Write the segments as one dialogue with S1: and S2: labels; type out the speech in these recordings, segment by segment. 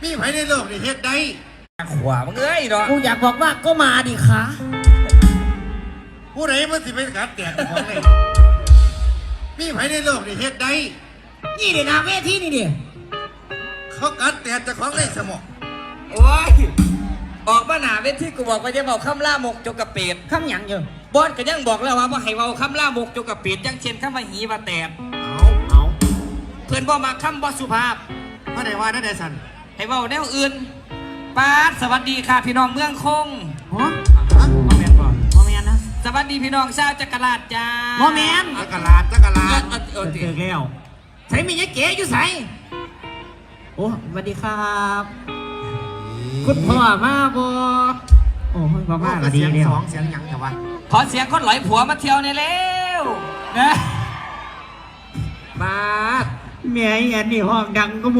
S1: มีไผในโลกนี่เฮ็ดได้
S2: ขวามึงเอ้ยเนาะ
S3: กูอยากบอกว่าก็มาดิคะ
S1: ผู้ใดมันสิเป็นกัดแตกของเลยมีไผในโลกนี่เฮ็ดได้
S3: นี่เดี๋ยวนาเวทีนี่ดิ
S1: เขากัดแตกจะของในสมอง
S2: โอ้ยออกมาหนาเวทีกูบอกว่าจะบอกคำล่ามกจกกระเปียด
S3: คำหยังเยอะ
S2: บอสก็ยังบอกแล้วว่าให้เว้าคำล่ามกจกกระเปียดยังเช่นคำว่าหีว่าแตก
S3: เอา
S2: เพื่อนบ่มาคำบ่สุภาพ
S1: เพราะไหนว่านั่นได้สัน
S2: ให้เว้าแนวอื่นป้าดสวัสดีค่ะพี่น้องเมืองคง
S3: ฮะ
S2: โมเมนต์ก่อน
S3: โมเมนนะ
S2: สวัสดีพี่น้องชาวจักรราชจ้า
S3: โมเมน
S1: จักรลาดจักรลาด
S3: เจอแล้วใส่มียะเก๋อยู่ใส่โอ้สวัสดีครับคุณพ่อมาบ่โอ้พ่อมาก็ดี
S1: เสียง
S3: เนี่ย
S1: สองเสียงหยังแต่ว่า
S2: ขอเสียงคนหลอยผัวมาเที่ยวในเร็วนะป้าด
S3: แม่แอนนี่ห้องดังก็มู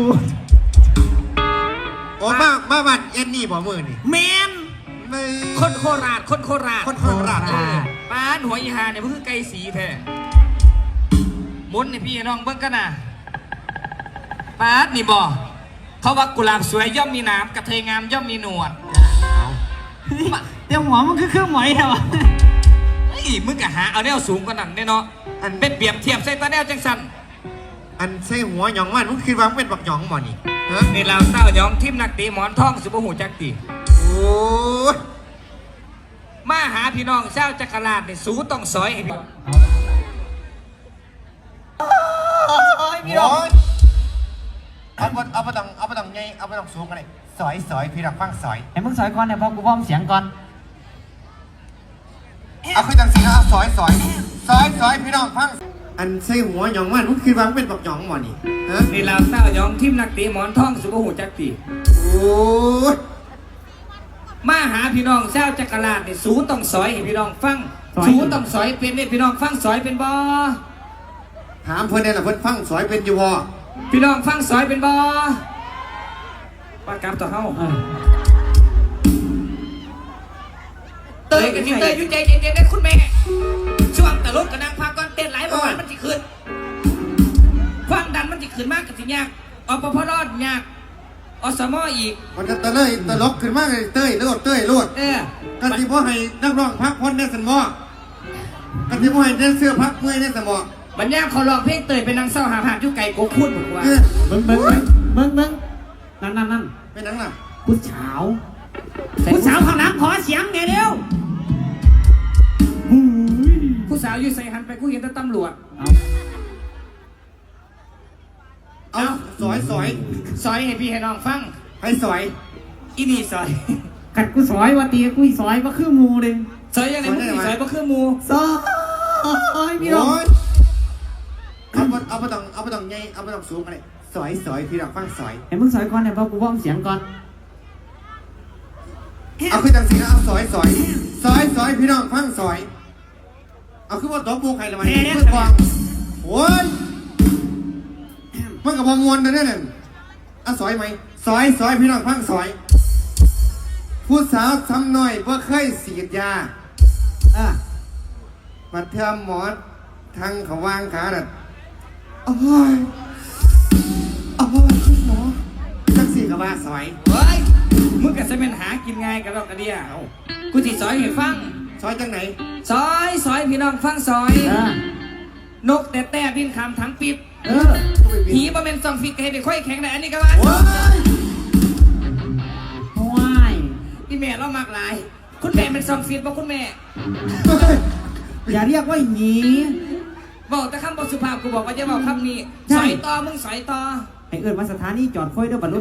S1: โอ้มาบ้านเอ็นนี่บ่มือนี่
S3: แมน
S1: ไม่
S2: คนโคราชคนโคราช
S1: คนโคราช
S2: ป้าดหัวอีหาเนี่ยเพิ่งไกลสีแท้มุนนี่พี่น้องเบิ่งกันนะป้าดนี่บ่เขาว่ากุหลาบสวยย่อมมีหนามกระเทยงามย่อมมีหนวด
S3: เดี๋ยวหัวมันคือเครื่องหมายเหรอ
S2: เฮ้ยมึงกะหาเอาแนวสูงกว่านั้นแน่เนาะเป็นเปรียบเทียบใส่ตาแนวจังสัน
S1: อันใส่หัวหยองมันมึงคิดว่ามันเป็นบักหยองบ่นี่ฮะ
S2: นี่เราเต้ายองทิมนักตีหมอนทองสุบหูจักตี
S1: โอ้ย
S2: มาหาพี่น้องเจ้าจักรราชนี่สูต้องซอยให้พี่
S3: พี่น้อง
S1: เอาไปต้องไงเอาไปต้องสูงกันเลยสอยพี่รักฟังสอย
S3: ไอ้มึงสอยก่อนเนี่ยพอกูพร้อมเสียงก่อน
S1: เอาขึ้นจังสีนะเอาสอยพี่น้องฟังอันใส่หัวหยองมันมึงคิดว่ามันเป็นบักหยองบ่นี่ฮะ
S2: นี่เราเต้ายองทิมนักตีหมอนทองสุบหูจักตี
S1: โอ้ย
S2: มาหาพี่น้องเจ้าจักรราชนี่สูต้องซอยให้พี่น้องฟังสูต้องซอยเป็นเนี่ยพี่น้องฟังซอยเป็นบ่
S1: ถามเพื่อนเนี่ยแหละเพื่อนฟังสอยเป็นอยู่บ่
S2: พี่น้องฟังซอยเป็นบ่ปากกลับต่อเฮาเตยกันที่เตยยุ่งใจเย็นๆได้คุณแม่ช่วงตลกกับนางพาก่อนเต้นหลายประวันมันจะขึ้นความดันมันจะขึ้นมากกับสิยากอปพรอดยากอสมอีก
S1: มันจะตลกขึ้นมากเลยเต้ยโลดกันที่พ่อให้นักร้องพักพ้นในสมองกันที่พ่อให้แดนเสื้อพักเมื่อยในสมอง
S2: บัญญัติเขาลองเพลงเตยเป็นนางเศร้าหาผ่านยุไก่โกพูดบอกว่า
S3: มึงนั่น
S1: เป็นนังน่ะ
S3: ผู้สาวข้างหลังขอเสียงไงเร็ว
S2: ผู้สาวอยู่ใส่หันไปกูเห็นแต่ตำรวจ
S1: เอาสอย
S2: ซอยให้พี่ให้น้องฟัง
S1: ให้สอย
S2: อีนี่ซอย
S3: กัดกูสอยว่าตีกูสอยว่าคือมูเลย
S2: ซอยยังไงมึงซอยบ่คือมู
S3: ซอยพี่น้อง
S1: เอาไปต้องไงเอาไปต้องสูงกันเลยสอยพี่รักฟังสอย
S3: ไอ้มึงสอยก่อนเนี่ยพอกูพร้อมเสียงก่อน
S1: เอาขึ้นจังสีนะเอาสอยพี่น้องฟังสอยเอาขึ้นว่าตบโบกใครละมันเพื่อกวางโอ้ยมันกับพอมวนนะเนี่ยเอาสอยไหมสอยพี่น้องฟังสอยผู้สาวซ้ำหน่อยเพื่อเคยสีดยามาเทอมหมอทางเขาวางขาน่ะโอ้ยคุณหมอจังสีกับว่าสอย
S2: เฮ้ยมึงกับจะเป็นหากินง่ายกับดอกกระเดียกูสิซอยให้ฟัง
S1: ซอยจังไหน
S2: ซอยพี่น้องฟังซอยนกแต่บินคำทั้งปิดหีบ่เป็นซองฟิกให้ไปค่อยแข็งได้อันนี้ก็ว่า
S3: ว้าย
S2: พี่แม่เรามากหลายคุณแม่เป็นซองฟิตบ่คุณแม่
S3: อย่าเรียกว่าหนี
S2: บอกแต่คำบทสุภาพกูบอกว่าจะบอกคำนี้สอยต่อมึงสอยต่อ
S3: ไอ้เอิญมาสถานีจอดค่อยเด้อบรรลุ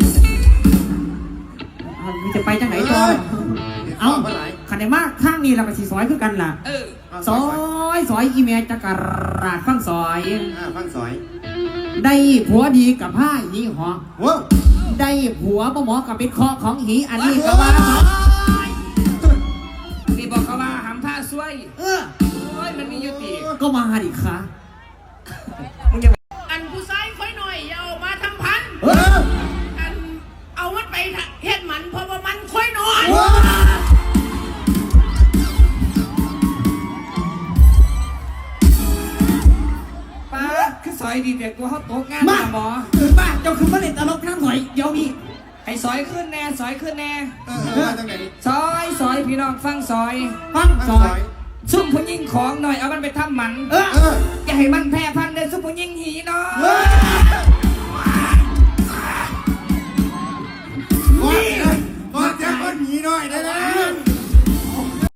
S3: มึงจะไปจังไหนต่อเอาขันได้มากข้างนี้เราก็สีซอยคือกันล่ะซอยอีเมลจักรราชฟังซอย
S1: ฟังสอย
S3: ได้ผัวดีกับผ้าหีหอ
S1: ว้าว
S3: ได้ผัวหมอกับเป็นคอของหีอันนี้ก็ว่า
S2: นี่บอกเขาว่าหำท่าซวยโอ้ยมันมียุติ
S3: ก็มาดิค่ะ
S2: มึงจะ
S4: อันผู้ชายค่อยหน่อยอย่าเอามาทำพันอันเอามันไปเฮ็ดมันเพราะว่ามันค่อยหน่อย
S2: ป้าคือซอยดีแต่กูเขาโต๊ะงาน
S3: มา
S2: หมอ
S3: บ้าเจ้าคือมาเล่นตลกข้างหน่อยเดี๋ยวนี้
S2: ไอ้ซอยขึ้นแน่ซอยขึ้นแน่
S1: มาจังไหน
S2: ซอยพี่น้องฟังซอย
S3: ฟังซอย
S2: ซุ่มผู้หญิงของหน่อยเอามันไปทำหมันอย่าให้มันแพ้พันธุ์เลยซุ่มผู้หญิงหีเนาะ
S1: ก่อนจะคนหนีหน่อยได้แล้ว